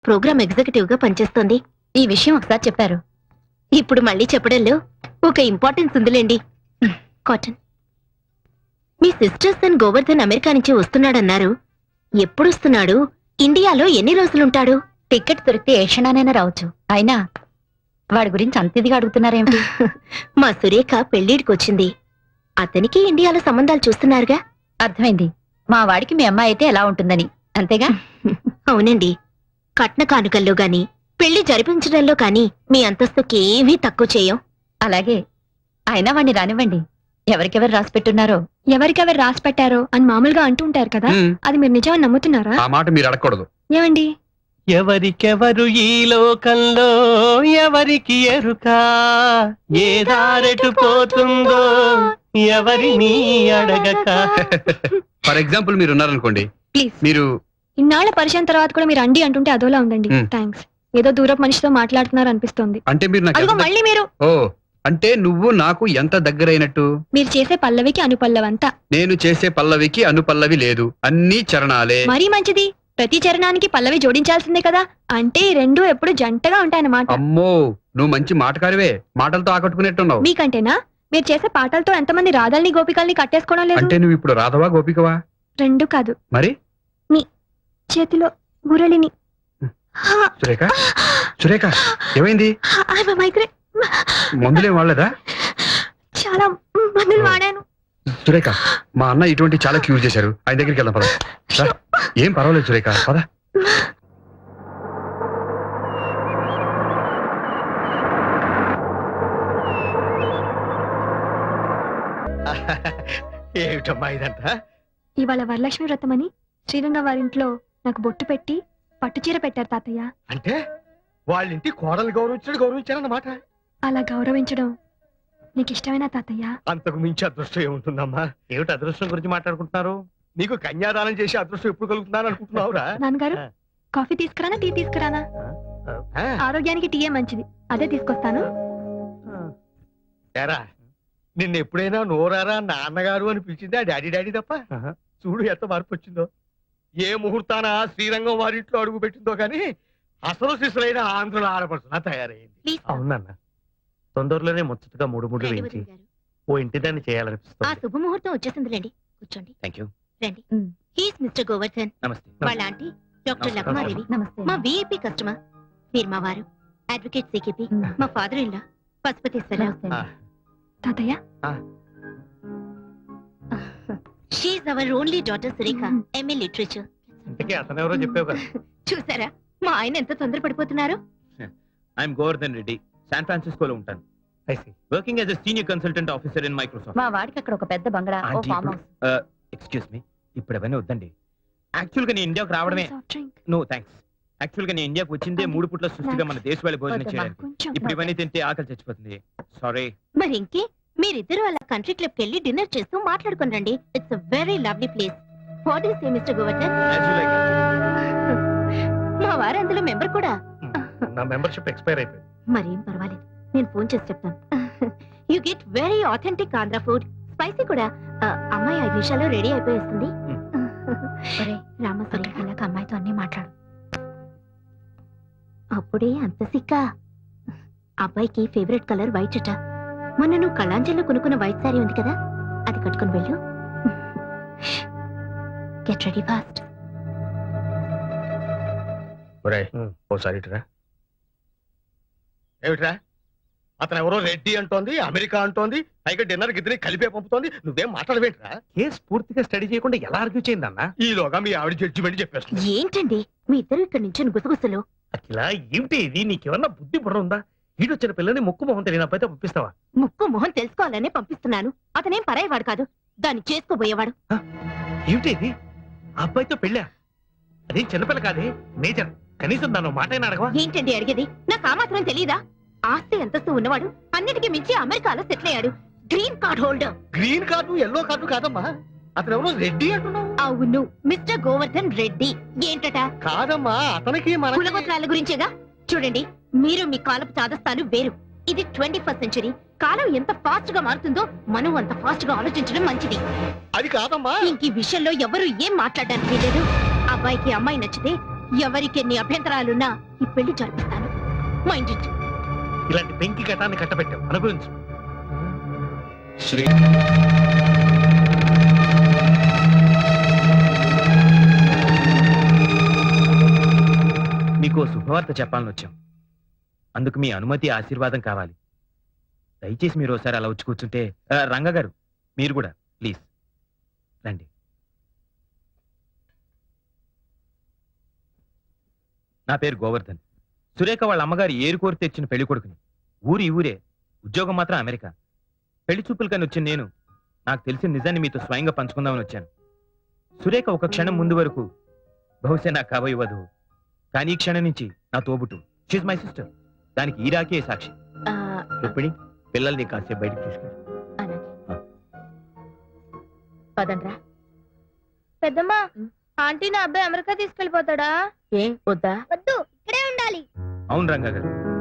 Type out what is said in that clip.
Programme executive గా పనిచేస్తోంది. ఈ విషయం ఒకసారి చెప్పారు, ఇప్పుడు మళ్ళీ చెప్పడంలో ఒక ఇంపార్టెన్స్ ఉందిలేండి. కాటన్, మీ సిస్టర్ సన్ గోవర్ధన్ అమెరికా నుంచి వస్తున్నాడన్నారు. ఎప్పుడు వస్తున్నాడు? ఇండియాలో ఎన్ని రోజులుంటాడు? టికెట్ దొరికితే ఏ క్షణానైనా రావచ్చు. అయినా వాడి గురించి అంత ఇదిగా అడుగుతున్నారేమిటి? మా సురేఖ పెళ్లిడికొచ్చింది. అతనికి ఇండియాలో సంబంధాలు చూస్తున్నారుగా. అర్థమైంది. మా వాడికి మీ అమ్మాయి అయితే ఎలా ఉంటుందని, అంతేగా? అవునండి. కట్న కానుకల్లో గాని పెళ్లి జరిపించడంలో కాని మీ అంతస్తుకేమీ తక్కువ చేయం. అలాగే. అయినా వాణ్ణి రానివ్వండి. ఎవరికెవరు రాసి పెట్టున్నారో, ఎవరికెవరు రాసి పెట్టారో అని మామూలుగా అంటూ ఉంటారు కదా, అది మీరు నిజమని నమ్ముతున్నారా? ఆ మాట మీరు అడగకూడదు. ఏమండి? ఎవరికెవరు ఈ లోకంలో ఎవరికి ఎరుక, ఏ దారెటు పోతుందో ఎవరిని అడగక. ఫర్ ఎగ్జాంపుల్ మీరు ఉన్నారనుకోండి, ప్లీజ్. మీరు ఇన్నాళ్ల పరిచయం తర్వాత కూడా మీరు అండి అంటుంటే అదోలా ఉందండి. థ్యాంక్స్. ఏదో దూరపు మనిషితో మాట్లాడుతున్నారు అనిపిస్తోంది. అంటే మీరు నాకు అదిగో మళ్ళీ మీరు. ఓ, అంటే నువ్వు నాకు ఎంత దగ్గరైనట్టు? మీరు చేసే పల్లవికి అనుపల్లవంతా. నేను చేసే పల్లవికి అనుపల్లవి లేదు, అన్ని చరణాలే. మరీ మంచిది. ప్రతి చరణానికి పల్లవి జోడించాల్సిందే కదా. అంటే ఈ రెండు ఎప్పుడు జంటగా ఉంటాయన్నమాట. అమ్మో, నువ్వు మంచి మాటకారివే. మాటలతో ఆకట్టుకునేట్టున్నావు. మీకంటేనా? మీరు చేసే పాటలతో ఎంతమంది రాధల్ని గోపికల్ని కట్టేసుకోవడం లేదు? అంటే నువ్వు ఇప్పుడు రాధవా గోపికవా? రెండు కాదు. మరి చేతిలో మురళిని. సురేఖ, సురేఖ, ఏమైంది? మైగ్రేన్. మందులేం వాడలేదా? చాలా మందులు వాడాను. సురేఖ, మా అన్న ఇటువంటి చాలా క్యూర్ చేశారు. ఆయన దగ్గరికి వెళ్దాం పద. రా. ఏం పర్వాలేదు సురేఖ, పద. ఏమిటమ్మా ఇదంతా? ఇవాళ వరలక్ష్మి వ్రతం అని శ్రీరంగ వారింట్లో నాకు బొట్టు పెట్టి పట్టుచీర పెట్టారు తాతయ్య. అంటే వాళ్ళింటి కోడలు గౌరవించారన్నమాట. అలా గౌరవించడం నీకు ఇష్టమేనా తాతయ్య? అంతకు మించి అదృష్టం ఏముంటుందమ్మా? ఏమిటి అదృష్టం గురించి మాట్లాడుకుంటున్నారు? నీకు కన్యాదానం చేసి అదృష్టం ఎప్పుడు కలుగుతున్నాను అనుకుంటున్నావురా? నాన్నగారు, కాఫీ తీసుకురానా టీ తీసుకురానా? ఆరోగ్యానికి టీయే మంచిది, అదే తీసుకొస్తాను. ఏరా, నిన్న ఎప్పుడైనా నోరారా నాన్నగారు అని పిలిచిందా డాడీ డాడీ తప్ప? చూడు ఎంత మార్పు వచ్చిందో. ఏ ముహూర్తాన శ్రీరంగం వారింట్లో అడుగు పెట్టిందో కానీ అసలు శిశులైన ఆంధ్రుల ఆడపడుతున్నా తయారైంది. అవునన్నా, తొందరలోనే ముచ్చటగా మూడు వేయించి ఓ ఇంటి దాన్ని చేయాలనిపిస్తుంది. ఆ శుభముహూర్తం వచ్చేసిందిలేండి. కూర్చోండి. థాంక్యూ. రండి. He's mister Govardhan. నమస్తే. వాళ్ళ ఆంటీ డాక్టర్ లక్మాదేవి. మా విఐపి కస్టమర్. మీరు మా వారు అడ్వకేట్ సికిపి. మా ఫాదర్ ఇన్ లా పశుపతీశ్వరరావు. తాతయ్య, she's our only daughter Surekha, MA literature. ఇంతకీ అతనెవరో చెప్పావు కదా. చూసారా మా ఆయన ఎంత తొందరపడిపోతున్నారు? ఐఎమ్ గోవర్ధన్ రెడ్డి, శాన్ ఫ్రాన్సిస్కోలో ఉంటాను. Working as a senior consultant officer in Microsoft. మా వాడికి అక్కడ ఒక పెద్ద బంగళా, ఓ ఫామ్ హౌస్. ఎక్స్క్యూజ్ మీ, ఇప్పుడు అవన్నీ వద్దండి. యాక్చువల్ గా నేను ఇండియాకు రావడమే. No thanks. యాక్చువల్ గా నేను ఇండియాకు వచ్చిందే 3 పూట్ల సృష్టిగా మన దేశ వాళ్ళ భోజనం చేయడానికి. ఇప్పుడు ఇవన్నీ తింటే ఆకలి చచ్చిపోతుంది. సారీ. మరి ఇంకే మీరిద్దరు అలా కంట్రీ క్లబ్ కెళ్ళి డిన్నర్ చేస్తూ మాట్లాడుకుని రండి. It's a very lovely place. What is a mister Govardhan? మా వారు అందులో మెంబర్ కూడా. నా మెంబర్షిప్ ఎక్స్పైర్ అయిపోయింది. మరేం పర్వాలేదు, నేను ఫోన్ చేసి చెప్తాను. You get very authentic Andhra food, spicy కూడా. అమ్మాయి 5 నిమిషాల్లో రెడీ అయిపోయేస్తుంది. రామసరి అలాగ అమ్మాయితో అన్ని మాట్లాడు. అప్పుడే అంత సిక్క. అబ్బాయికి ఫేవరెట్ కలర్ వైట్ అట. మొన్న నువ్వు కళాంజలిలో కొనుక్కున్న వైట్ సారీ ఉంది కదా, అది కట్టుకుని వెళ్ళు. Get ready fast. ఓసారి ఏమిట్రా, అతను ఎవరో రెడ్డి అంటోంది, అమెరికా అంటోంది, పైగా డిన్నర్ గిద్దరి కలిపే పంపుతోంది. నువ్వేం మాట్లాడవేంట్రా? కేసు పూర్తిగా స్టడీ చేయకుండా ఎలా ఆర్గ్యూ చేయిందన్నా? ఈలోగా మీ ఆవిడ జడ్జిమెంట్ చెప్పేస్తుంది. ఏంటండి మీ ఇద్దరు ఇక్కడ నుంచి గుసగుసలు? అఖిలా, ఏమిటి ఇది? నీకేమన్నా బుద్ధి బుర్ర ఉందా? ఈడొచ్చిన పిల్లని ముక్కు మొహం తెలియని అబ్బాయితో పంపిస్తావా? ముక్కు మొహం తెలుసుకోవాలనే పంపిస్తున్నాను. అతనేం పరాయవాడు కాదు, దాన్ని చేసుకోబోయేవాడు. ఏమిటి ఇది? అబ్బాయితో పెళ్ళా? అదేం చిన్నపిల్ల కాదే, మేజర్. కనీసం దాని మాటైనా అడగవా? ఏంటండి అడిగేది? నాకు ఆ మాత్రం తెలీదా? ఆస్తి అంతస్తు ఉన్నవాడు, అన్నిటికీ మించి అమెరికాలో సెటిల్ అయ్యాడు. Green card holder. Green card yellow card కాదమ్మా, అతను ఎవరో రెడ్డి అంటున్నావు. అవును, మిస్టర్ గోవర్ధన్ రెడ్డి. ఏంటట? కాదమ్మా, అతనికి మన కులగోత్రాల గురించేగా. చూడండి, మీరు మీ కాలపు చాదస్తాలు వేరు. ఇది 21st సెంచరీ. కాలం ఎంత ఫాస్ట్ గా మారుతుందో మనం అంత ఫాస్ట్ గా ఆలోచించడం మంచిది. అది కాదమ్మా. ఇంక ఈ విషయంలో ఎవరు ఏం మాట్లాడడానికి లేదు. అబ్బాయికి అమ్మాయి నచ్చితే ఎవరికెన్ని అభ్యంతరాలున్నా ఈ పెళ్లి జరిపిస్తాను. Mind it. ఇలాంటి పెంకి ఘటాన్ని కట్టబెట్టావు, అనుభవించు. శ్రీ మీకు ఓ శుభవార్త చెప్పాలని వచ్చాం. అందుకు మీ అనుమతి ఆశీర్వాదం కావాలి. దయచేసి మీరు ఒకసారి అలా వచ్చి కూర్చుంటే. రంగ గారు మీరు కూడా ప్లీజ్ రండి. నా పేరు గోవర్ధన్. సురేఖ వాళ్ళ అమ్మగారు ఏరు కోరి తెచ్చిన పెళ్లి కొడుకుని. ఊరి ఊరే, ఉద్యోగం మాత్రం అమెరికా. పెళ్లి చూపులకని వచ్చిన నేను నాకు తెలిసిన నిజాన్ని మీతో స్వయంగా పంచుకుందామని వచ్చాను. సురేఖ ఒక క్షణం ముందు వరకు బహుశా నాకు కాబోయే వధువు, కానీ ఈ క్షణం నుంచి నా తోబుట్టు. She's my sister. దానికి ఈ రాకే సాక్షి. రుక్మిణి, పిల్లల్ని కాసేపు బయటకు తీసుకెళ్ళి. పదండ్రా. పెద్దమ్మా, ఆంటీ నా అబ్బాయి అమెరికా తీసుకెళ్లిపోతాడా? ఏం వద్దా? వద్దు, ఇక్కడే ఉండాలి. అవును రంగా గారు,